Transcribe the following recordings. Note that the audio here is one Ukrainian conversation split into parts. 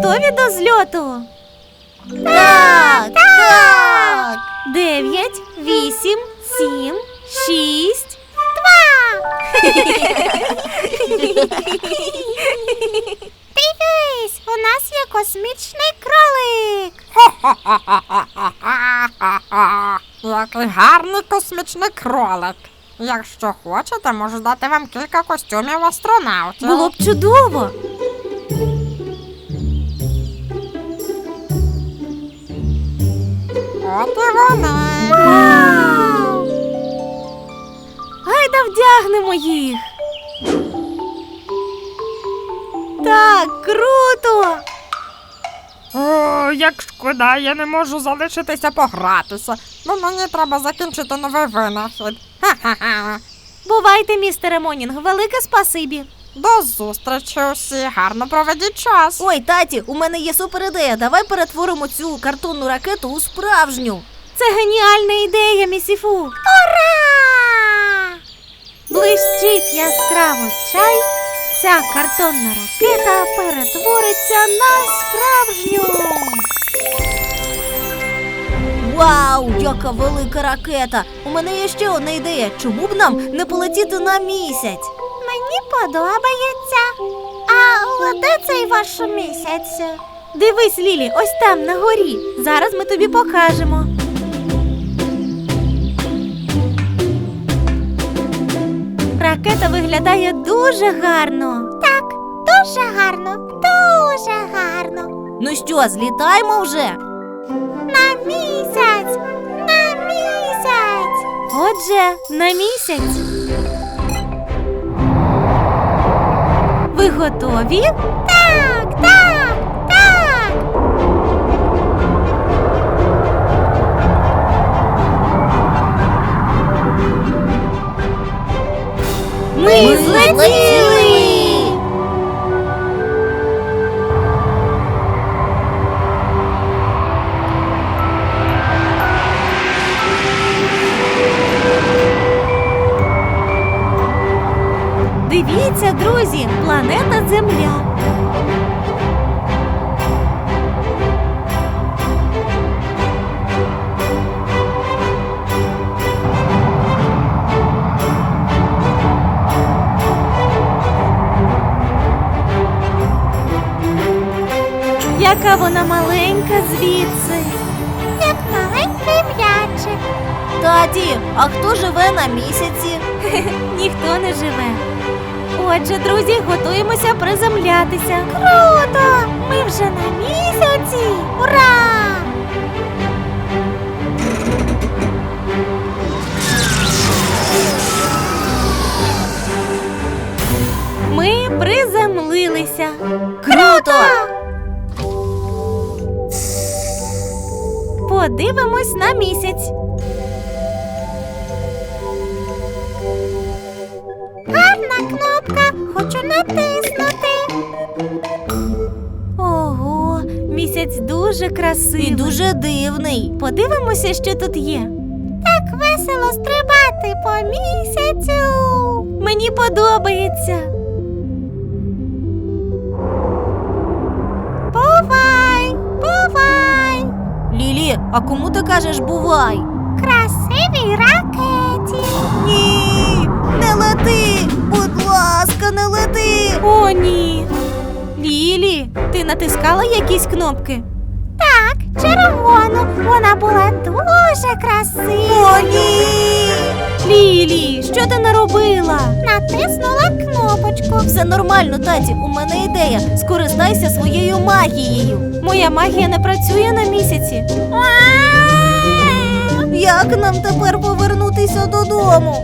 готові до зльоту? Так, так. 9, 8, 7, 6, 2. Дивись, у нас є космічний кролик. Який гарний космічний кролик. Якщо хочете, можу дати вам кілька костюмів астронавтів. Було б чудово. От і вони. Вау! Гайда вдягнемо їх. Так, круто! О, як шкода, я не можу залишитися погратися. Бо мені треба закінчити новий винахід. Ха-ха-ха. Бувайте, містере Монінг, велике спасибі. До зустрічі усі, гарно проведіть час. Ой, таті, у мене є супер ідея. Давай перетворимо цю картонну ракету у справжню. Це геніальна ідея, місіфу. Ура! Блищить яскраво чай, ця картонна ракета перетвориться на справжню. Вау, яка велика ракета! У мене є ще одна ідея. Чому б нам не полетіти на місяць? Мені подобається. А де цей ваш місяць? Дивись, Лілі, ось там, на горі. Зараз ми тобі покажемо. Ракета виглядає дуже гарно. Так, дуже гарно, дуже гарно. Ну що, злітаємо вже? На місяць! На місяць! Отже, на місяць. Ви готові? Так, так, так! Ми злетіли! Дивіться, друзі, планета Земля. Яка вона маленька звідси. Як маленький м'ячик. Таті, а хто живе на місяці? Ніхто не живе. Отже, друзі, готуємося приземлятися. Круто! Ми вже на місяці! Ура! Ми приземлилися. Круто! Подивимось на місяць. Гарна кнопка, хочу натиснути. Ого, місяць дуже красивий. І дуже дивний. Подивимося, що тут є. Так весело стрибати по місяцю. Мені подобається. Бувай, бувай. Лілі, а кому ти кажеш бувай? Красивій ракеті. Ні, не лети! Будь ласка, не лети! О, ні. Лілі, ти натискала якісь кнопки? Так, червону. Вона була дуже красива. О, ні! Лілі, що ти наробила? Натиснула кнопочку. Все нормально, таті, у мене ідея. Скористайся своєю магією. Моя магія не працює на місяці. Як нам тепер повернутися додому?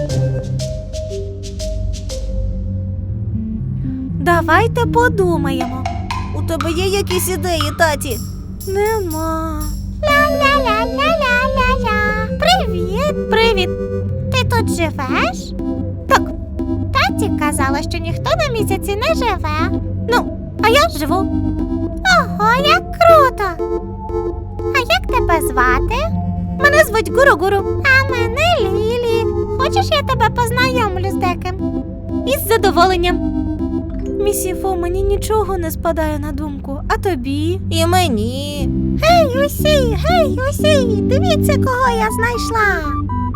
Давайте подумаємо. У тебе є якісь ідеї, таті? Нема. Ля-ля-ля-ля-ля-ля-ля. Привіт. Привіт. Ти тут живеш? Так. Таті казала, що ніхто на місяці не живе. Ну, а я живу. Ого, як круто. А як тебе звати? Мене звуть Гуру-Гуру. А мене Лілі. Хочеш, я тебе познайомлю з деким? Із задоволенням. Місіфу, мені нічого не спадає на думку, а тобі? І мені. Гей, усі, дивіться, кого я знайшла.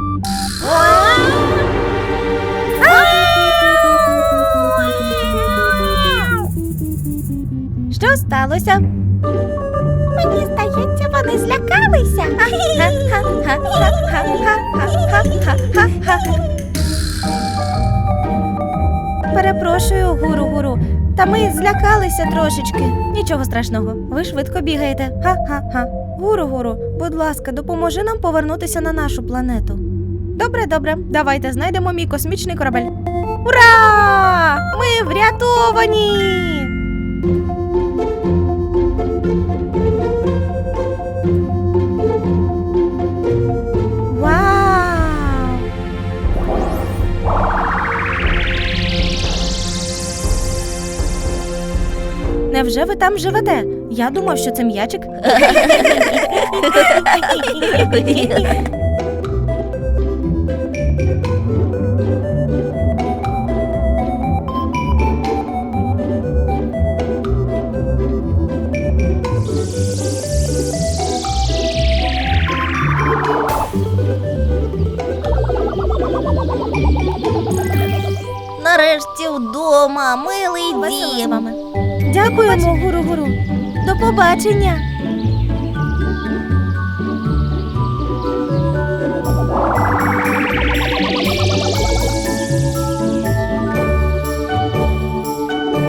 Що сталося? Мені здається, вони злякалися. Перепрошую, гуру-гуру. Та ми злякалися трошечки. Нічого страшного. Ви швидко бігаєте. Ха-ха-ха. Гуру-гуру, будь ласка, допоможи нам повернутися на нашу планету. Добре, добре. Давайте знайдемо мій космічний корабель. Ура! Ми врятовані! Вау! Невже ви там живете? Я думав, що це м'ячик. Нарешті вдома, милий Весело з дім. вами. Дякуємо, гуру-гуру. До побачення.